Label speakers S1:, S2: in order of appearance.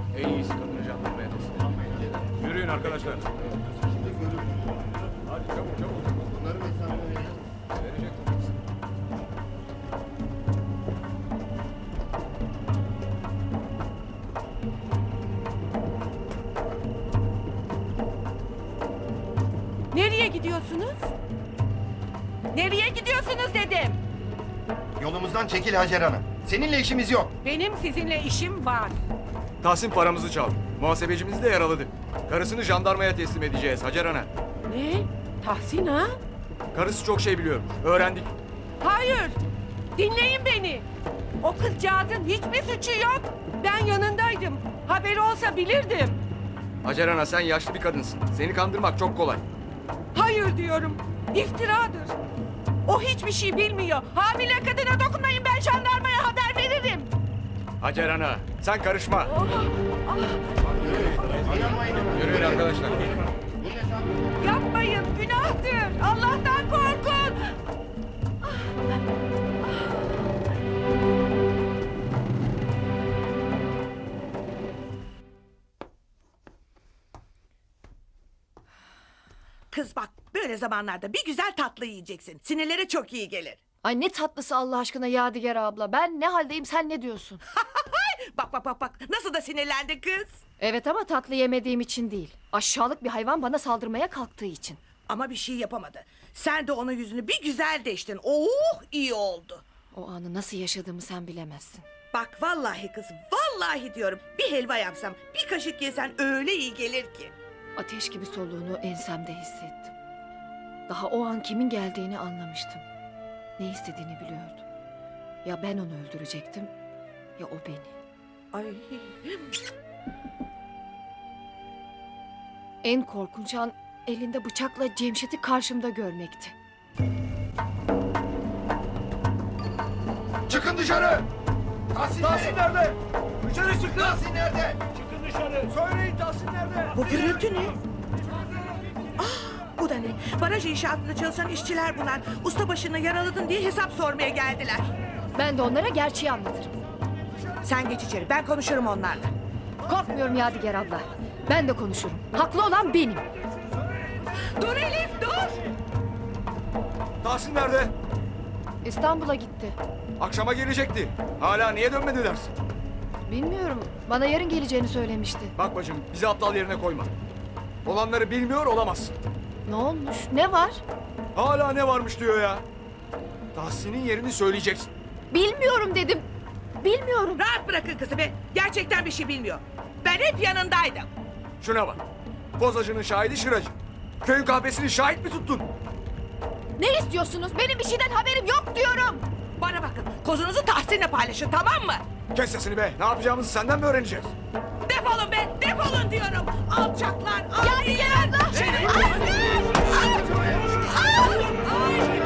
S1: En iyisi kadını jandarmaya teslim edelim. Yürüyün arkadaşlar. Hadi çabuk çabuk.
S2: Bunları hesabına verelim.
S1: Verecek tabii.
S3: Nereye gidiyorsunuz? Nereye gidiyorsunuz dedim.
S2: Yolumuzdan çekil Hacer Hanım. Seninle işimiz yok.
S3: Benim sizinle işim var.
S1: Tahsin paramızı çaldı. Muhasebecimizi de yaraladı. Karısını jandarmaya teslim edeceğiz Hacer Ana.
S3: Ne? Tahsin ha?
S1: Karısı çok şey biliyor. Öğrendik.
S3: Hayır. Dinleyin beni. O kızcağızın hiçbir suçu yok. Ben yanındaydım. Haberi olsa bilirdim.
S1: Hacer Ana sen yaşlı bir kadınsın. Seni kandırmak çok kolay.
S3: Hayır diyorum. İftiradır. O hiçbir şey bilmiyor. Hamile kadına dokunmayın, ben jandarmaya haber veririm.
S1: Hacer Ana sen karışma.
S3: Oh, ah,
S1: Yürüyün arkadaşlar.
S3: yapmayın, günahtır. Allah'tan korkun.
S4: Kız bak, böyle zamanlarda bir güzel tatlı yiyeceksin. Sinirlere çok iyi gelir.
S5: Ay ne tatlısı Allah aşkına Yadigar abla. Ben ne haldeyim sen ne diyorsun?
S4: Bak nasıl da sinirlendi kız.
S5: Evet ama tatlı yemediğim için değil. Aşağılık bir hayvan bana saldırmaya kalktığı için.
S4: Ama bir şey yapamadı. Sen de onun yüzünü bir güzel deştin. Oh, iyi oldu.
S5: O anı nasıl yaşadığımı sen bilemezsin.
S4: Bak vallahi kız, vallahi diyorum. Bir helva yapsam, bir kaşık yesen öyle iyi gelir ki.
S5: Ateş gibi soluğunu ensemde hissettim. Daha o an kimin geldiğini anlamıştım. Ne istediğini biliyordum. Ya ben onu öldürecektim ya o beni.
S4: Ay,
S5: En korkunç an elinde bıçakla Cemşet'i karşımda görmekti.
S2: Çıkın dışarı! Tahsin nerede?
S1: Dışarı çıkın.
S2: Tahsin nerede?
S1: Çıkın dışarı. Söyleyin Tahsin nerede?
S4: bu gürültü ne? Bu da ne? Baraj inşaatında çalışan işçiler bunlar. Ustabaşını yaraladın diye hesap sormaya geldiler.
S5: Ben de onlara gerçeği anlatırım.
S4: Sen geç içeri, ben konuşurum onlarla.
S5: Korkmuyorum Yadigar abla. Ben de konuşurum. Haklı olan benim.
S4: Dur Elif, dur!
S1: Tahsin nerede?
S5: İstanbul'a gitti.
S1: Akşama gelecekti. Hala niye dönmedi dersin?
S5: Bilmiyorum. Bana yarın geleceğini söylemişti.
S1: Bak bacım bizi aptal yerine koyma. Olanları bilmiyor olamazsın.
S5: Ne olmuş? Ne var?
S1: Hala ne varmış diyor ya. Tahsin'in yerini söyleyeceksin.
S5: Bilmiyorum dedim. Bilmiyorum.
S4: Rahat bırakın kızı be. Gerçekten bir şey bilmiyor. Ben hep yanındaydım.
S1: Şuna bak. Bozacının şahidi Şıracı. Köyün kahvesini şahit mi tuttun?
S5: Ne istiyorsunuz? Benim bir şeyden haberim yok diyorum.
S4: Bana bakın. Kozunuzu Tahsin'le paylaşın, tamam mı?
S1: Kes sesini be. Ne yapacağımızı senden mi öğreneceğiz?
S4: Defolun be. Defolun diyorum. Alçaklar.
S5: Ya bir gel abla.
S4: Ay!